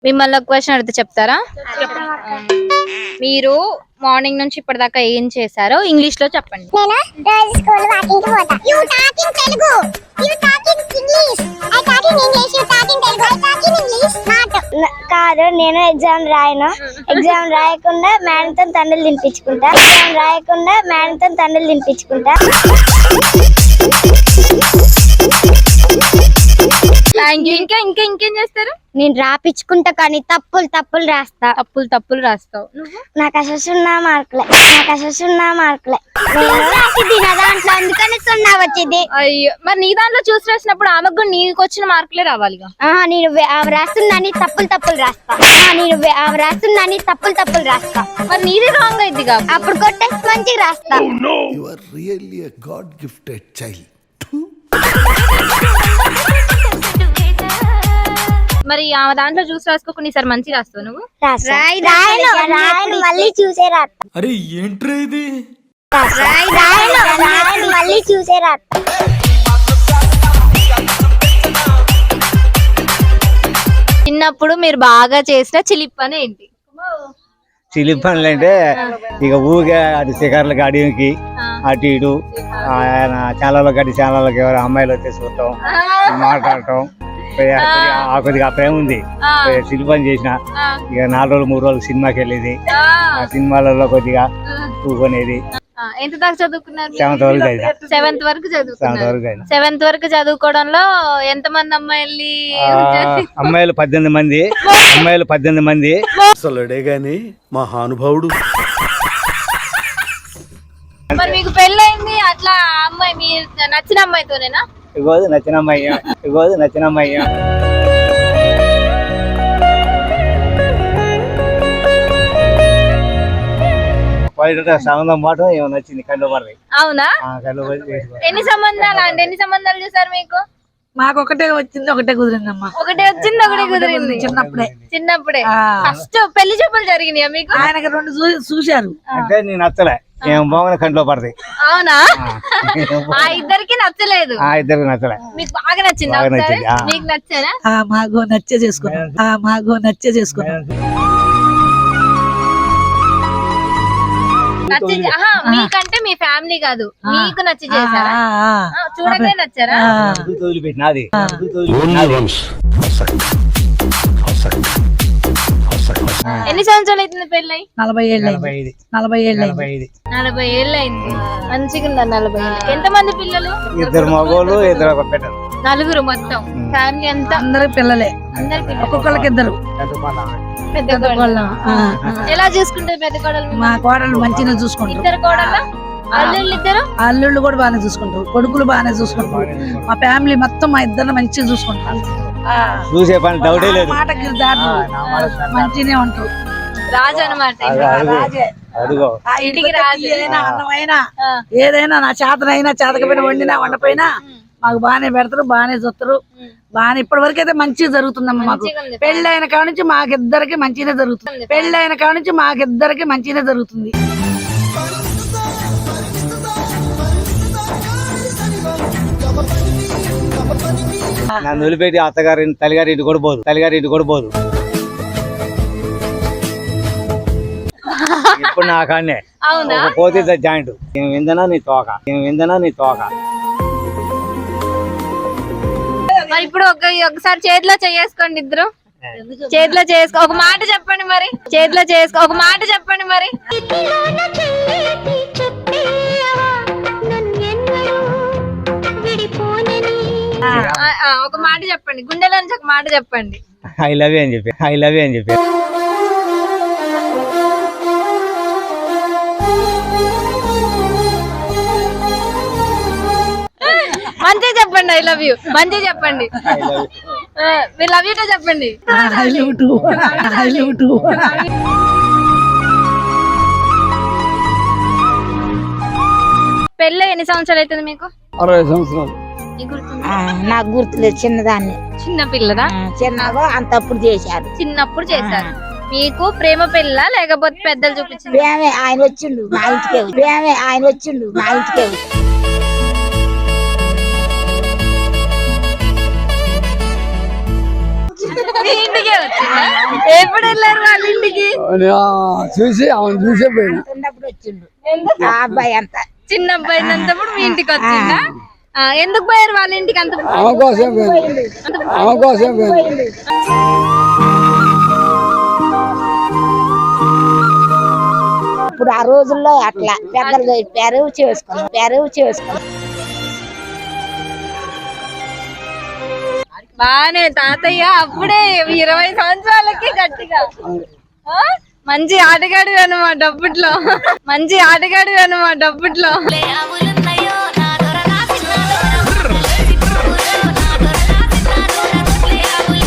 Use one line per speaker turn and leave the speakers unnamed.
మిమ్మల్ని ఒక క్వశ్చన్ అడిగితే చెప్తారా? మీరు మార్నింగ్ నుంచి ఇప్పటిదాకా ఏం చేశారో ఇంగ్లీష్ లో చెప్పండి.
కాదు, నేను ఎగ్జామ్ రాయను. ఎగ్జామ్ రాయకుండా మేడంతో తండ్రులు తినిపించుకుంటా. ఎగ్జామ్ రాయకుండా మేడంతో తండ్రులు తినిపించుకుంటా.
ఇంకా ఇంకా ఇంకేం చేస్తారు?
నేను రాపించుకుంటా కానీ తప్పులు రాస్తా.
తప్పులు రాస్తావు నువ్వు?
నాకు అసలు 0 మార్కులే. దాంట్లో అందుకని 0 వచ్చింది.
అయ్యో, మరి నీ దాంట్లో చూసి రాసినప్పుడు ఆమెకు కూడా నీకు వచ్చిన మార్కులే రావాలిగా.
నేను ఆమె రాస్తుందని తప్పులు రాస్తా. తప్పులు రాస్తా.
మరి నీది రాంగ్ అయింది.
అప్పుడు కొట్టేసి మంచిగా రాస్తా.
మరి ఆమె దాంట్లో చూసి రాసుకోకుండా ఈసారి మంచిగా రాస్తావు నువ్వు?
మళ్ళీ చూసే రాస్తా.
అరే ఏంట్రా ఇది?
మళ్ళీ చూసే రాస్తా.
చిన్నప్పుడు మీరు బాగా చేసిన చిలిప్ పని ఏంటి?
చిలిప్ పనులు అంటే ఇక ఊరికే అటు శిఖర్లకి అడిగికి అటు ఇటు ఛానళ్ళకి అటు ఛానళ్ళకి ఎవరు అమ్మాయిలు వచ్చేసి చూడటం, మాట్లాడటం. కొద్దిగా ప్రేమ ఉంది, చిలిప్ పని చేసిన. ఇక 4 రోజులు 3 రోజులు సినిమాకి వెళ్ళేది. ఆ సినిమాలలో కొద్దిగా చూసుకునేది.
ఎంత దాకా చదువుకున్నారు?
7th వరకు చదివిన.
7th వరకు చదువుకున్నారు. 7th వరకు చదువుకోవడంలో ఎంత మంది
అమ్మాయిలు 18 మంది.
అసలుడే గాని మహానుభావుడు.
మరి మీకు పెళ్ళైంది అట్లా అమ్మాయి మీరు నచ్చిన అమ్మాయితోనేనా?
ఇగోదు నచ్చిన అమ్మాయి. సంబంధం మాట ఏమో నచ్చింది, కళ్ళు పడతాయి.
అవునా? ఎన్ని సంబంధాలు చూసారు మీకు?
మాకు ఒకటే వచ్చింది, ఒకటే కుదిరిందమ్మా.
ఒకటే కుదిరింది. చిన్నప్పుడే ఫస్ట్ పెళ్లి చూపులు జరిగినాయా మీకు?
ఆయనకి 2 చూశారు.
అంటే నేను నచ్చలే, ఏం బాగున్నా కంట్లో పడతాయి.
అవునా? ఆ ఇద్దరికి నచ్చలేదు. మీకు బాగా నచ్చింది. మీకు నచ్చారా?
మాకు నచ్చే చేసుకున్నాం.
మీకంటే మీ ఫ్యామిలీ కాదు, మీకు నచ్చి చేశారా? చూడగానే నచ్చారా? ఎన్ని సంవత్సరాలు అవుతుంది పెళ్ళి?
40 ఏళ్ళు
అయింది. మంచిగా ఉందా? 40 ఏళ్ళు. ఎంతమంది పిల్లలు?
2 మగోళ్ళు 2 పెట్టలు.
4 మొత్తం ఫ్యామిలీ అంతా.
అందరు పిల్లలే. ఒక్కొక్కరికి 2.
పెద్ద కోడలు ఎలా చూసుకుంటారు? పెద్ద కోడలు
మా కోడలు మంచిగా చూసుకుంటారు.
2 కోడలు
అల్లుళ్ళు కూడా బాగానే చూసుకుంటారు, కొడుకులు బాగానే చూసుకుంటారు. మా ఫ్యామిలీ మొత్తం మా ఇద్దరు మంచిగా చూసుకుంటారు.
చూసే పని డౌటే లేదు.
మాటకి మంచిగానే ఉంటారు.
రాజు అనమాట.
ఇంటికి అన్నమైనా ఏదైనా నా చేతనైనా చేతకపోయినా వండినా వండపోయినా మాకు బాగానే పెడతారు, బాగానే చూస్తారు. బాగానే ఇప్పటి వరకు అయితే మంచిగా జరుగుతుందమ్మా. మాకు పెళ్ళైన కాడ నుంచి మాకిద్దరికి మంచిగానే జరుగుతుంది.
నన్ను వదిలిపెట్టి తల్లిగారింటి కూడా పోదు. ఇప్పుడు నా కాన్నే పోతే జాయింట్. నేను విందనా నీ తోక.
మరి ఇప్పుడు ఒకసారి చేతిలో చేసుకోండి, ఇద్దరు చేతిలో చేసుకో. ఒక మాట చెప్పండి మరి. ఒక మాట చెప్పండి, గుండెలో నుంచి ఒక మాట చెప్పండి.
ఐ లవ్ యూ అని చెప్పి.
మంచిగా చెప్పండి. ఐ లవ్ యూ మంచిగా చెప్పండి. మీరు లవ్ యూతో చెప్పండి. పెళ్ళి ఎన్ని సంవత్సరాలు అవుతుంది మీకు?
60 సంవత్సరాలు.
నాకు గుర్తులేదు, చిన్నదాన్ని.
చిన్న పిల్లదా?
చిన్నగా అంతప్పుడు చేశారు.
చిన్నప్పుడు చేశారు. మీకు ప్రేమ పెళ్ళ లేకపోతే పెద్దలు చూపించింది?
ఆయన వచ్చిండు మా ఇంటికే.
మీ ఇంటికే వచ్చిందా? ఎప్పుడు వెళ్ళారు వాళ్ళ ఇంటికి?
చూసి అవును చూసే పోయినా.
ఎందుకు?
ఆ అబ్బాయి అంతా
చిన్న అబ్బాయి ఉన్నప్పుడు మీ ఇంటికి వచ్చిందా? ఎందుకు పోయారు వాళ్ళ ఇంటికి అంత?
ఆమె కోసం పోయింది. ఆమె కోసం పోయింది.
ఇప్పుడు ఆ రోజుల్లో అట్లా పెద్దలు చెప్పారు చేసుకున్నాం.
బానే తాతయ్య అప్పుడే 20 సంవత్సరాలకి గట్టిగా మంచి ఆటగాడు అనమాట అప్పట్లో.